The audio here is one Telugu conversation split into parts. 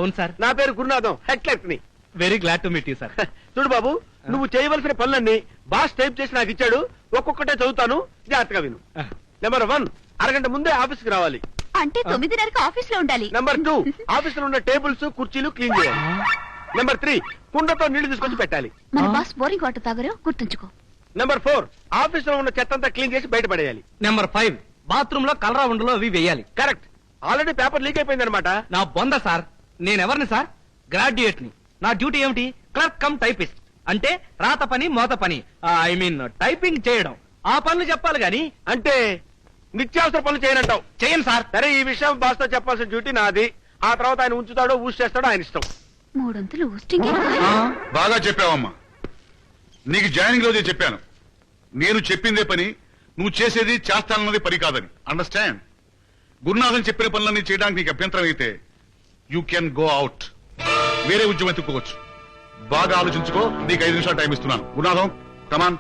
అవును సార్. నా పేరు గురునాథం, హెడ్ క్లర్క్ ని. Very glad to meet you sir. చూడు బాబు, నువ్వు చేయవలసిన పనులన్నీ బాస్ టైప్ చేసి నాకు ఇచ్చాడు. ఒక్కొక్కటే చదువుతాను, జాగ్రత్తగా విను. నెంబర్ 1, అరగంట ముందే ఆఫీస్ కి రావాలి. అంటే 9:30కి ఆఫీస్ లో ఉండాలి. నెంబర్ 2, ఆఫీస్ లో ఉన్న టేబుల్స్ కుర్చీలు క్లీన్ చేయాలి. నెంబర్ 3, కుండతో నీళ్లు తీసుకొచ్చి పెట్టాలి. మన బాస్ బోరింగ్ వాటర్ తాగరు, గుర్తుంచుకో. నెంబర్ 4, ఆఫీస్ లో ఉన్న చెత్త అంతా క్లీన్ చేసి బయటపడేయాలి. నెంబర్ 5, బాత్రూమ్ లో కలరా ఉండలో అవి వేయాలి. కరెక్ట్. ఆల్రెడీ పేపర్ లీక్ అయిపోయింది అనమాట. నా బొంద సార్. నేనెవరిని సార్? గ్రాడ్యుయేట్ ని. నా డ్యూటీ ఏమిటి? Clerk cum typist. అంటే రాత పని మోత పని, ఐ మీన్ టైపింగ్ చేయడం. ఆ పనులు చెప్పాలి గాని. అంటే నిత్యావసర పనులు చేయనంటావు? చేయను సార్. సరే, ఈ విషయం బాస్ తో చెప్పాల్సిన డ్యూటీ నాది. ఆ తర్వాత ఆయన ఉంచుతాడో ఊసి చేస్తాడో ఆయన ఇష్టం. 300 ఊస్టింగ్. బాగా చెప్పావమ్మా. నీకు జాయినింగ్ రోజే చెప్పాను, నేను చెప్పిందే పని, నువ్వు చేసేది చేస్తానన్నది పని కాదని. అండర్స్టాండ్? గురునాథన్ చెప్పిన పనులన్నీ చేయడానికి నీకు అభ్యంతరం అయితే యూ కెన్ గో అవుట్. వేరే ఉద్యోగం ఎత్తుకోవచ్చు. బాగా ఆలోచించుకో. నీకు 5 నిమిషాలు టైం ఇస్తున్నాను. గురునాథం, కమాన్.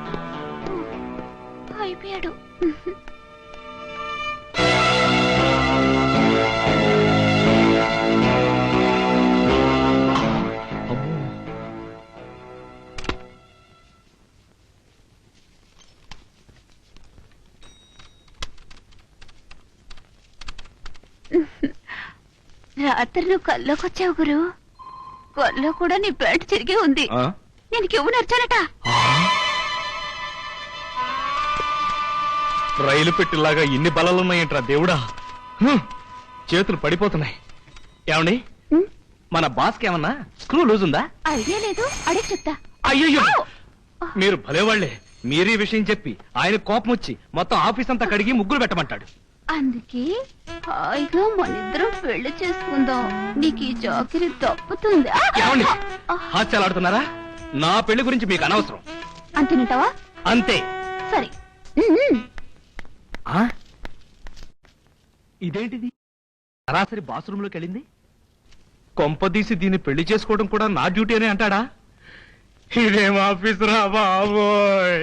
అయిపోయాడు. రాత్రి నువ్వు కల్లోకి వచ్చావు గురు. కల్లో కూడా నీ ప్యాంట్ చిరిగి ఉంది. నేను కివ్వు నచ్చానట. రైలు పెట్టిలాగా ఇన్ని బలాలున్నాయంట్రా దేవుడా. చేతులు పడిపోతున్నాయి. ఏమండి, మన బాస్ కి ఏమన్నా స్క్రూ లూజ్ ఉందా? ఐడియా లేదు, అడిగి చెప్తా. అయ్యో, మీరు భలేవాళ్లే. మీరీ విషయం చెప్పి ఆయన కోపం వచ్చి మొత్తం ఆఫీస్ అంతా కడిగి ముగ్గులు పెట్టమంటాడు. అందుకే హాయిగా మనిద్దరం పెళ్లి చేసుకుందాం. నీకు ఈ చాకరీ తప్పుతుంది. ఏమండి, హాస్యాలాడుతున్నారా? నా పెళ్లి గురించి మీకు అనవసరం. అంతేనంటావా? అంతే. సరే. ఇదేంటిది? సరాసరి బాత్రూమ్ లోకి వెళ్ళింది. కొంపదీసి దీన్ని పెళ్లి చేసుకోవడం కూడా నా డ్యూటీ అని అంటాడా? ఇదేం ఆఫీస్ రా బాబోయ్.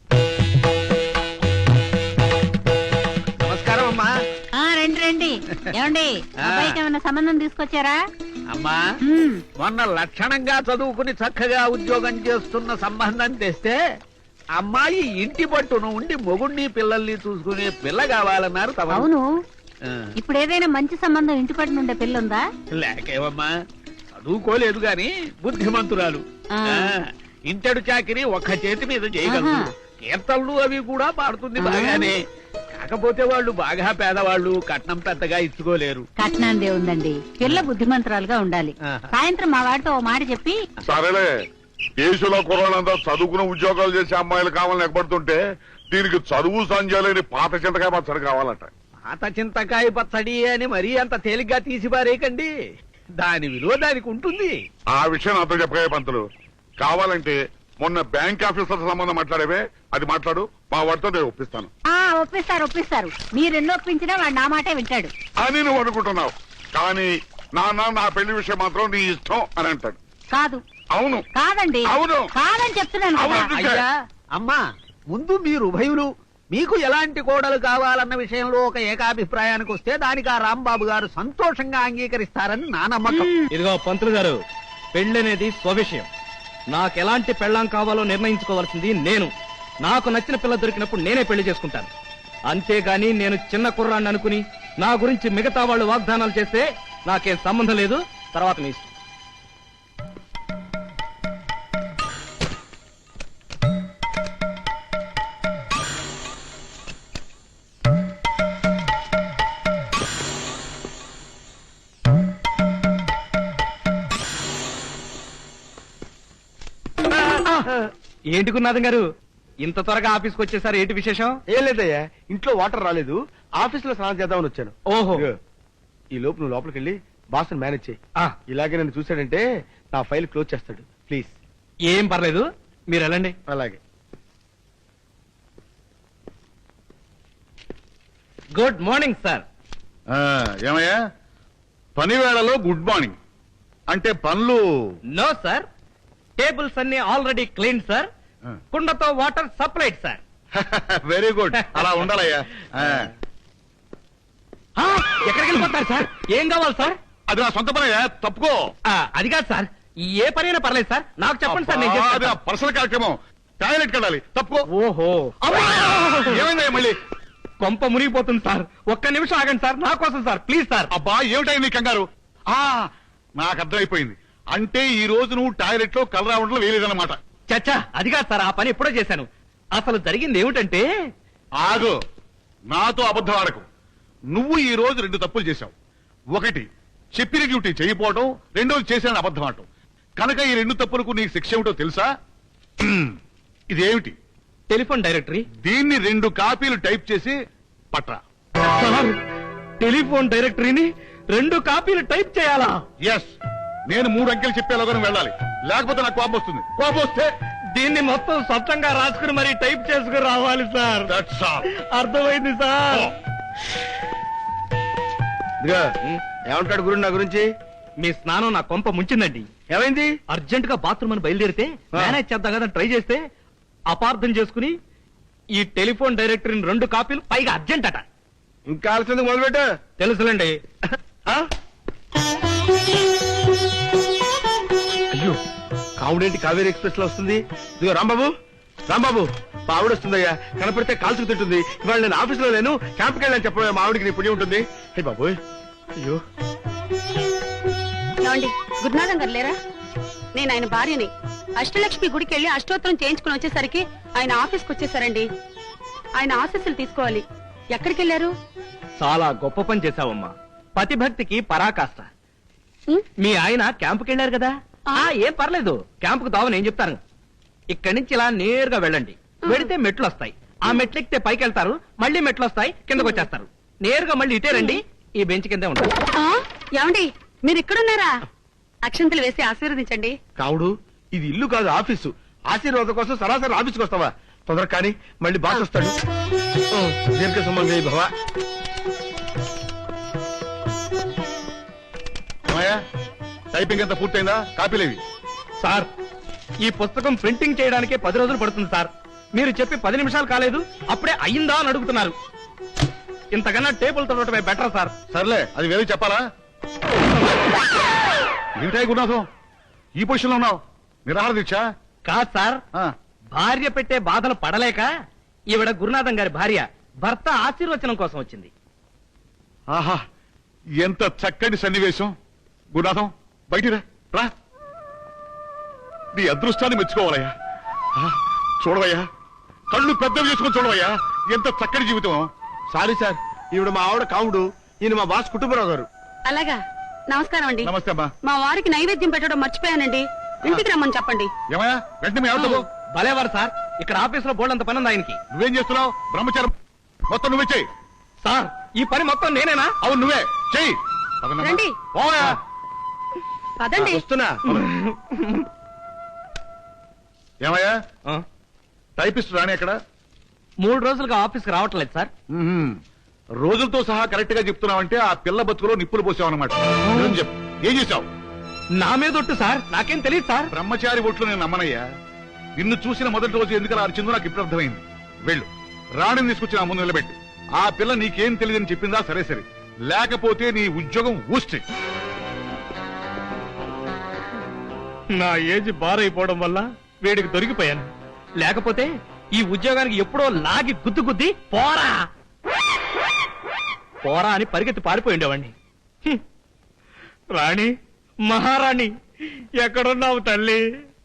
నమస్కారం అమ్మా. రండి రండి. ఏమండి, అబ్బాయికి ఏమన్నా సంబంధం తీసుకొచ్చారా? అమ్మా, మొన్న లక్షణంగా చదువుకుని చక్కగా ఉద్యోగం చేస్తున్న సంబంధం తెస్తే అమ్మాయి ఇంటి పట్టును ఉండి మొగుడిని పిల్లల్ని చూసుకునే పిల్ల కావాలన్నారు. అవును. ఇప్పుడు ఏదైనా మంచి సంబంధం ఇంటి పట్టున ఉండే పిల్ల ఉందా? లేకేవమ్మా, చదువుకోలేదు గాని బుద్ధిమంతురాలు. ఇంటడు చాకిరి ఒక్క చేతి మీద చేయగలదు. కీర్తనలు అవి కూడా పాడుతుంది బాగానే. కాకపోతే వాళ్ళు బాగా పేదవాళ్ళు, కట్నం పెద్దగా ఇచ్చుకోలేరు. కట్నాందే ఉందండి, పిల్ల బుద్ధిమంతురాలుగా ఉండాలి. సాయంత్రం మా వాడితో ఓ మాట చెప్పి. సరేలే, దేశంలో కుర్రాళ్ళంతా చదువుకున్న ఉద్యోగాలు చేసే అమ్మాయిలు కావాలని ఎక్కబడుతుంటే దీనికి చదువు సంజయలేని పాత చింతకాయ పచ్చడి కావాలట. పాత చింతకాయ పచ్చడి అని మరీ అంత తేలిగ్గా తీసి పారేయకండి. దాని విలువ దానికి ఉంటుంది. ఆ విషయం నాతో చెప్పగా పంతులు. కావాలంటే మొన్న బ్యాంక్ ఆఫీసర్ సంబంధం మాట్లాడేవే, అది మాట్లాడు. మా వాడితో నేను ఒప్పిస్తాను. ఒప్పిస్తారు. మీరెన్నో ఒప్పించినా వాడు నా మాటే వింటాడు అని నువ్వు అనుకుంటున్నావు. కానీ నాన్న, నా పెళ్లి విషయం మాత్రం నీ ఇష్టం అని అంటాడు. కాదు. అవును. కాదండి. అవును. కాదని చెప్తున్నాను కదా. అయ్యా, అమ్మా, ముందు మీరు ఉభయులు మీకు ఎలాంటి కోడలు కావాలన్న విషయంలో ఒక ఏకాభిప్రాయానికి వస్తే దానికి ఆ రాంబాబు గారు సంతోషంగా అంగీకరిస్తారని నా నమ్మకం. ఇదిగో పంతులు గారు, పెళ్ళనేది స్వవిషయం. నాకెలాంటి పెళ్ళాం కావాలో నిర్ణయించుకోవాల్సింది నేను. నాకు నచ్చిన పిల్ల దొరికినప్పుడు నేనే పెళ్లి చేసుకుంటాను. అంతేగాని నేను చిన్న కుర్రాన్ని అనుకుని నా గురించి మిగతా వాళ్ళు వాగ్దానాలు చేస్తే నాకేం సంబంధం లేదు. తర్వాత మీ ఇష్టం. ఏంటి గురునాథం గారు, ఇంత త్వరగా ఆఫీస్కి వచ్చేసారు? ఏంటి విశేషం? ఏం లేదయ్యా, ఇంట్లో వాటర్ రాలేదు, ఆఫీస్ లో స్నానం చేద్దామని వచ్చాను. ఓహో. ఈ లోపు నువ్వు లోపలికి వెళ్ళి బాస్ మేనేజ్ చేయి. ఇలాగే నన్ను చూశాడంటే నా ఫైల్ క్లోజ్ చేస్తాడు. ప్లీజ్. ఏం పర్లేదు, మీరు వెళ్ళండి. అలాగే. Good morning sir. ఏమయ్యా, పని వేళలో గుడ్ మార్నింగ్ అంటే పనులు? నో సార్, టేబుల్స్ అన్ని ఆల్రెడీ క్లీన్ సార్. కుండతో water supplied sir. Very good, అలా ఉండాలయ్యా. ఎక్కడికి వెళ్ళిపోతారు సార్? ఏం కావాలి సార్? అది నా సొంత పనయ్యా, తప్పుకో. అది కాదు సార్, ఏ పనైనా పర్లేదు సార్, నాకు చెప్పండి సార్, నేను అబ్బా, చేస్తాను అది నా సార్. పర్సనల్ కార్యక్రమం. టాయిలెట్ కెళ్ళాలి, తప్పుకో. ఓహో, ఏమైందయ్యా మళ్ళీ? కొంప మునిగిపోతుంది సార్, ఒక్క నిమిషం ఆగండి సార్, నా కోసం సార్, ప్లీజ్ సార్. అబ్బా ఏమిటాయి నీ కంగారు? నాకు అర్థమైపోయింది. అంటే ఈ రోజు నువ్వు టాయిలెట్ లో కలరావడంలో వేయలేదన్నమాట. చచ్చా, అది కాదు సార్, ఆ పని ఎప్పుడో చేశాను. అసలు జరిగింది ఏమిటంటే, ఆగు, నాతో అబద్ధం ఆడకు. నువ్వు ఈ రోజు 2 తప్పులు చేశావు. ఒకటి, చెప్పిన డ్యూటీ చేయకపోవడం, రెండోది చేశానని అబద్ధం ఆడటం. కనుక ఈ 2 తప్పులకు నీకు శిక్ష ఏమిటో తెలుసా? ఇదేమిటి? Telephone directory. దీన్ని 2 కాపీలు టైప్ చేసి పట్రా. సార్, టెలిఫోన్ డైరెక్టరీని 2 కాపీలు టైప్ చేయాలా? ఎస్, నేను 3 అంకెలు చెప్పేలాగా నువ్వు వెళ్ళాలి, లేకపోతే నాకు కోపం వస్తుంది. కోపం వస్తే దీన్ని మొత్తం స్వచ్ఛంగా రాసుకుని మరి టైప్ చేసుకుని రావాలి సార్. that's all. అర్థమైంది సార్. ఇదిగో ఏమంటాడు గురు నా గురించి? మీ స్నానం నా కొంప ముంచిందండి. ఏమైంది? అర్జెంట్ గా బాత్రూమ్ అని బయలుదేరితే మేనేజ్ చేద్దాం కదా ట్రై చేస్తే అపార్థం చేసుకుని ఈ టెలిఫోన్ డైరెక్టరీని 2 కాపీలు, పైగా అర్జెంట్ అట. ఇంకా ఆలస్యం మొదలుపెట్టు. తెలుసులేండి. అయ్యో, కావుడేంటి కావేరీ ఎక్స్ప్రెస్ లో వస్తుంది? ఇదిగో రాంబాబు, రాంబాబు, మా ఆవిడ వస్తుందయ్యా, కనపడితే కాల్చుకు తింటుంది. ఇవాళ నేను ఆఫీస్ లో లేను, క్యాంప్కి వెళ్ళని చెప్పడం మా ఆవిడకి నీ పుణ్యం ఉంటుంది. హే బాబు, అయ్యో. ఏమండి, గురునాథం గారు లేరా? నేను ఆయన భార్యని. అష్టలక్ష్మి గుడికి వెళ్ళి అష్టోత్తరం చేయించుకుని వచ్చేసరికి ఆయన ఆఫీస్కి వచ్చేసారండి. ఆయన ఆశీస్సులు తీసుకోవాలి. ఎక్కడికి వెళ్ళారు? చాలా గొప్ప పని చేశావమ్మా, పతిభక్తికి పరాకాష్ట. ఉం? మీ ఆయన క్యాంపుకి వెళ్ళారు కదా? ఏం పర్లేదు, క్యాంపుకు దావ నేను చెప్తాను. ఇక్కడి నుంచి ఇలా నేరుగా వెళ్ళండి. వెళితే మెట్లు వస్తాయి, ఆ మెట్లు ఎక్కితే పైకి వెళ్తారు, మళ్ళీ మెట్లు వస్తాయి, కిందకు వచ్చేస్తారు. నేరుగా మళ్ళీ ఇటే రండి, ఈ బెంచ్ కిందే ఉంటారు. ఏమండి, మీరు ఇక్కడున్నారా? అక్షంతలు వేసి ఆశీర్వదించండి. కావుడు, ఇది ఇల్లు కాదు ఆఫీసు. ఆశీర్వాదం కోసం సరాసరి ఆఫీస్కి వస్తావా? తొందర కానీ, మళ్ళీ బాస్ వస్తాడు. దీర్ఘ సుమంగళి భవ. ఏమయ్యా, టైపింగ్ అంతా పూర్తయిందా? కాపీలేవి? సార్, ఈ పుస్తకం ప్రింటింగ్ చేయడానికే 10 రోజులు పడుతుంది సార్. మీరు చెప్పి 10 నిమిషాలు కాలేదు, అప్పుడే అయ్యిందా అని అడుగుతున్నారు. ఇంతకన్నా టేబుల్ తొడటమే బెటర్ సార్. సర్లే, అది వేరే చెప్పాలా? ఏంటాయి గురునాథం, ఈ పొజిషన్ లో ఉన్నావు? నిరాహార దీక్ష? కాదు సార్, ఆ, భార్య పెట్టే బాధలు పడలేక ఈవిడ గురునాథం గారి భార్య భర్త ఆశీర్వచనం కోసం వచ్చింది. ఆహా, ఎంత చక్కటి సన్నివేశం. గురునాథం, బయటికి రా, రా. నీ అదృష్టాన్ని మెచ్చుకోవాలయ్యా. చూడవయ్యా, కళ్ళు పెద్దవి చేసుకొని చూడవయ్యా, ఎంత చక్కటి జీవితం. సారీ సార్, ఈవిడ మా ఆవిడ కావుడు, ఈయన మా బాస్ కుటుంబరావు గారు. అలాగా, నమస్కారం అండి. నమస్తే అమ్మా. మా వారికి నైవేద్యం పెట్టడం మర్చిపోయానండి. ఇంటికి రమ్మని చెప్పండి. ఏమయ్యా, వెంటనే మీ ఆవిడతో పో. భలేవారు సార్, ఇక్కడ ఆఫీస్ లో బోల్డంత పని ఉంది ఆయనకి. నువ్వేం చేస్తున్నావు? బ్రహ్మచారం మొత్తం నువ్వే చెయ్యి. సార్, ఈ పని మొత్తం నేనేనా? అవును, నువ్వే చెయ్యి. పదనమ్మా. రండి. పోవయ్యా. పదండి. వస్తున్నా. ఏమయ్యా, ఆ, టైపిస్ట్ రాని ఎక్కడ? 3 రోజులుగా ఆఫీస్కి రావట్లేదు సార్. రోజులతో సహా కరెక్ట్ గా చెప్తున్నావంటే ఆ పిల్ల బతుకులో నిప్పులు పోసావు అనమాట. చెప్పు, ఏం చేశావు? నా మీద ఒట్టు సార్, నాకేం తెలియదు సార్. బ్రహ్మచారి ఒట్లు నేను నమ్మనయ్యా. నిన్ను చూసిన మొదటి రోజు ఎందుకలా అరిచిందో నాకు ఇప్పుడు అర్థమైంది. వెళ్ళు, రాణిని తీసుకొచ్చి నా ముందు నిలబెట్టు. ఆ పిల్ల నీకేం తెలియదని చెప్పిందా? సరే సరే, లేకపోతే నీ ఉద్యోగం ఊస్తే. నా ఏజ్ బారైపోవడం వల్ల వీడికి దొరికిపోయాను. లేకపోతే ఈ ఉద్యోగానికి ఎప్పుడో లాగి గుద్దు గుద్ది పోరా పోరా అని పరిగెత్తి పారిపోయిండేవాణ్ణి. రాణి, మహారాణి, ఎక్కడున్నావు తల్లి?